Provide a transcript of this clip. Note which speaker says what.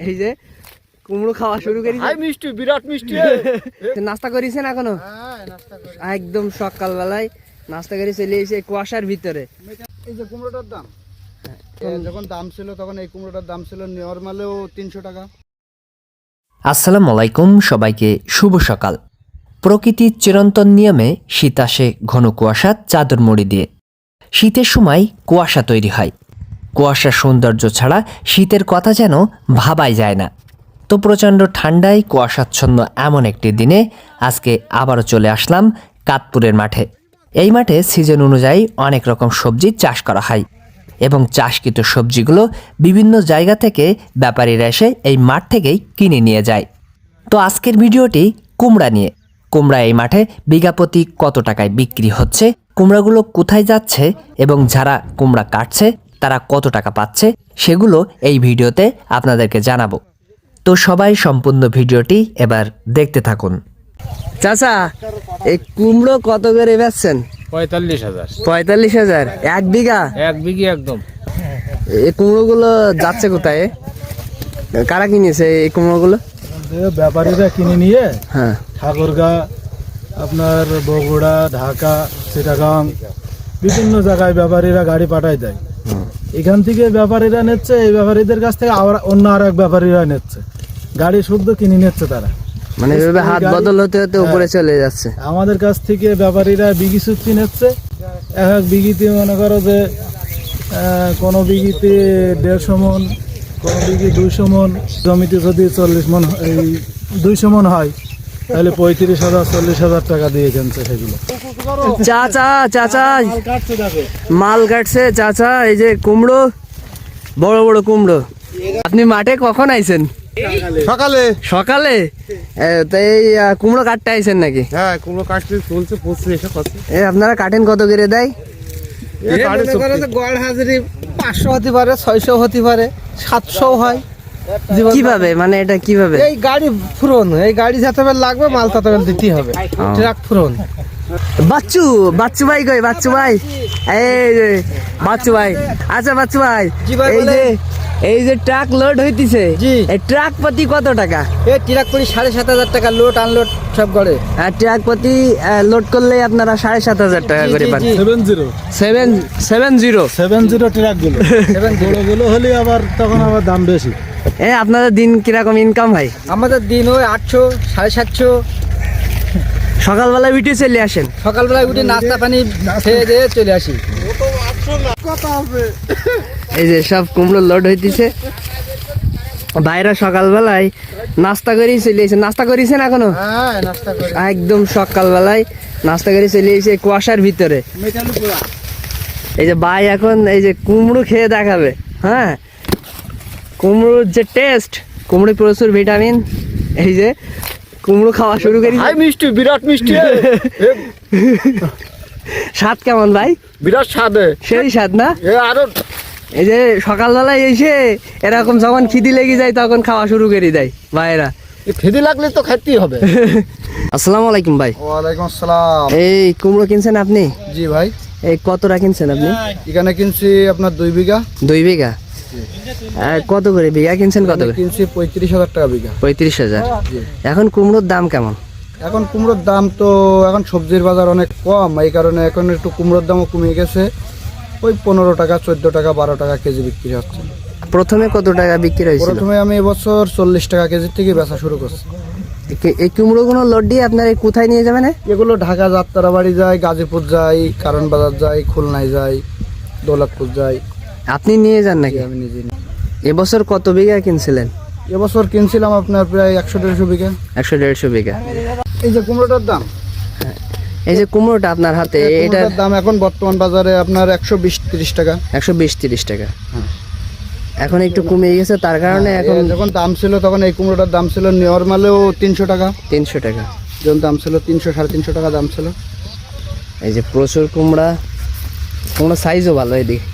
Speaker 1: এই যে কুমড়ো খাওয়া শুরু করি।
Speaker 2: মিষ্টি, বিরাট মিষ্টি।
Speaker 1: নাস্তা করেছেন এখনো? একদম সকালবেলায় নাস্তা করে চলে এসে কুয়াশার ভিতরে।
Speaker 2: এই যে কুমড়োটার দাম যখন দাম ছিল তখন এই কুমড়োটার দাম ছিল নরমালেও 300 টাকা।
Speaker 3: আসসালামু আলাইকুম, সবাইকে শুভ সকাল। প্রকৃতির চিরন্তন নিয়মে শীত আসে ঘন কুয়াশা চাদর মুড়ি দিয়ে। শীতের সময় কুয়াশা তৈরি হয়। কুয়াশার সৌন্দর্য ছাড়া শীতের কথা যেন ভাবাই যায় না। তো প্রচণ্ড ঠান্ডায় কুয়াশাচ্ছন্ন এমন একটি দিনে আজকে আবারও চলে আসলাম কাতপুরের মাঠে। এই মাঠে সিজন অনুযায়ী অনেক রকম সবজি চাষ করা হয় এবং চাষকৃত সবজিগুলো বিভিন্ন জায়গা থেকে ব্যাপারীরা এসে এই মাঠ থেকেই কিনে নিয়ে যায়। তো আজকের ভিডিওটি কুমড়া নিয়ে। কুমড়া এই মাঠে বিঘা প্রতি কত টাকায় বিক্রি হচ্ছে, কুমড়াগুলো কোথায় যাচ্ছে এবং যারা কুমড়া কাটছে তারা কত টাকা পাচ্ছে, সেগুলো এই ভিডিওতে আপনাদেরকে জানাবো। তো সবাই সম্পূর্ণ ভিডিওটি এবার দেখতে থাকুন।
Speaker 1: চাচা, এই কুমড়ো কত করে বেচছেন?
Speaker 2: 45,000।
Speaker 1: 45,000 এক বিঘা?
Speaker 2: এক বিঘি একদম।
Speaker 1: এই কুমড়োগুলো যাচ্ছে কোথায়? কারা কিনেছে এই কুমড়োগুলো?
Speaker 4: ব্যাপারীরা কিনে নিয়ে
Speaker 1: হ্যাঁ,
Speaker 4: ঠাকুরগাঁ, আপনার বগুড়া, ঢাকা, চিটাগাং বিভিন্ন জায়গায় ব্যাপারীরা গাড়ি পাঠায় দেয়। এখান থেকে ব্যাপারীরা নিচ্ছে, এই ব্যাপারীদের কাছ থেকে আবার অন্য আর এক ব্যাপারীরা নিচ্ছে, গাড়ি শুদ্ধ কিনে নিচ্ছে তারা।
Speaker 1: মানে এভাবে হাত বদল হতে হতে উপরে চলে যাচ্ছে।
Speaker 4: আমাদের কাছ থেকে ব্যাপারীরা বিঘি চুক্তি নিচ্ছে। এক বিঘিতে মনে করো যে কোনো বিঘিতে 150 মন, কোনো বিঘি 200 মন। জমিতে যদি 40 মন, এই 200 মন হয় তাহলে 35,000 40,000 টাকা দিয়ে কিনছে সেগুলো।
Speaker 1: চাচা চাচা
Speaker 4: কাটছে দেখো,
Speaker 1: মাল কাটছে চাচা। এই যে কুমড়ো, বড় বড় কুমড়ো। আপনি মাঠে কখন আইছেন?
Speaker 2: সকালে।
Speaker 1: সকালে? তো এই কুমড়ো কাটতে আইছেন নাকি?
Speaker 2: হ্যাঁ, কুমড়ো কাটতে চলছে, পড়ছে এসে কাছে।
Speaker 1: আপনারা কাটেন কত করে দেয়?
Speaker 2: গড় হাজিরি 500 হতে পারে, 600 হতে পারে, 700 হয়।
Speaker 1: কিভাবে, মানে এটা কিভাবে?
Speaker 2: এই গাড়ি ফুরন, এই গাড়ি যাতে লাগবে মাল তত দিতেই হবে। ট্রাক ফুরন।
Speaker 1: বাচ্চু, বাচ্চু ভাই কই? বাচ্চু ভাই, এই যে বাচ্চু ভাই। আচ্ছা বাচ্চু ভাই, এই যে ট্রাক লোড হইতিছে, এই ট্রাক প্রতি কত টাকা?
Speaker 2: এই ট্রাক করি 7,500 টাকা, লোড আনলোড সব করে।
Speaker 1: আর ট্রাক প্রতি লোড করলে আপনারা 7,500 টাকা করে পান।
Speaker 4: 70 ট্রাক গুলো, বড়গুলো হলে আবার তখন আবার দাম বেশি।
Speaker 1: আপনাদের দিন কিরকম ইনকাম হয়?
Speaker 2: আমাদের দিন ওই 800 750।
Speaker 1: সকালবেলায় উঠে চলে আসেন?
Speaker 2: সকালবেলায় উঠে নাস্তা পানি খেয়ে দিয়ে চলে আসি।
Speaker 1: এই যে সব কুমড়ো লোড হইতেছে, ভাইরা সকালবেলায় নাস্তা করেই চলে এসে। নাস্তা করেছেন এখনো?
Speaker 2: হ্যাঁ, নাস্তা করি।
Speaker 1: একদম সকালবেলায় নাস্তা করে চলে এসে কুয়াশার ভিতরে। এই যে ভাই এখন এই যে কুমড়ো খেয়ে দেখাবে। হ্যাঁ, কুমড়োর যে টেস্ট, কুমড়ো প্রচুর ভিটামিন। এই যে কুমড়ো খাওয়া শুরু করি।
Speaker 2: মিষ্টি, বিরাট মিষ্টি।
Speaker 1: স্বাদ কেমন ভাই?
Speaker 2: বিরাট স্বাদ,
Speaker 1: সেই স্বাদ না?
Speaker 2: আরো
Speaker 1: এই যে সকালবেলায় এসে এরকম যখন খিদি লেগে যায় তখন খাওয়া শুরু করে দেয় ভাইরা।
Speaker 2: খিদে লাগলে তো খাইতেই হবে।
Speaker 1: আসসালামু আলাইকুম ভাই।
Speaker 2: ওয়ালাইকুম আসসালাম।
Speaker 1: এই কুমড়ো কিনছেন আপনি?
Speaker 2: জি ভাই।
Speaker 1: এই কতটা কিনছেন আপনি?
Speaker 2: এখানে কিনছি আপনার 2 বিঘা।
Speaker 1: 2 বিঘা? কত করে বিঘা কিনছেন? কত করে
Speaker 2: কিনছি? 35,000 টাকা বিঘা।
Speaker 1: 35,000? এখন কুমড়োর দাম কেমন?
Speaker 2: এখন কুমড়োর দাম তো, এখন সবজির বাজার অনেক কম, এই কারণে এখন একটু কুমড়োর দামও কমে গেছে। ওই 15 টাকা 14 টাকা 12 টাকা কেজি বিক্রি হচ্ছে।
Speaker 1: প্রথমে কত টাকা বিক্রি হয়েছিল?
Speaker 2: প্রথমে আমি এবছর 40 টাকা কেজি থেকে বেচা শুরু করছি।
Speaker 1: এই কুমড়োগুলো লোড দিয়ে আপনারা কোথায় নিয়ে যাবেন?
Speaker 2: এগুলো ঢাকা যাত্রাবাড়ি যায়, গাজীপুর যায়, কারণ বাজার যায়, খুলনায় যায়, দৌলতপুর যায়।
Speaker 1: আপনি নিয়ে যান নাকি?
Speaker 2: আমি নিজে নিই।
Speaker 1: এবছর কত বিঘা কিনছিলেন?
Speaker 2: এবছর কিনছিলাম আপনার প্রায় 100-150 বিঘা।
Speaker 1: 100-150 বিঘা।
Speaker 2: এই যে কুমড়োটার দাম,
Speaker 1: এই যে কুমড়োটা আপনার হাতে, এটার
Speaker 2: দাম এখন বর্তমান বাজারে আপনার 120-30 টাকা।
Speaker 1: 120-30 টাকা। এখন একটু কমে গেছে, তার কারণে এখন
Speaker 2: যখন দাম ছিল তখন এই কুমড়োটার দাম ছিল নরমালেও 300 টাকা।
Speaker 1: 300 টাকা
Speaker 2: যখন দাম ছিল 300-350 টাকা দাম ছিল।
Speaker 1: এই যে প্রচুর কুমড়া, কুমড়ো সাইজও ভালো। এদিকে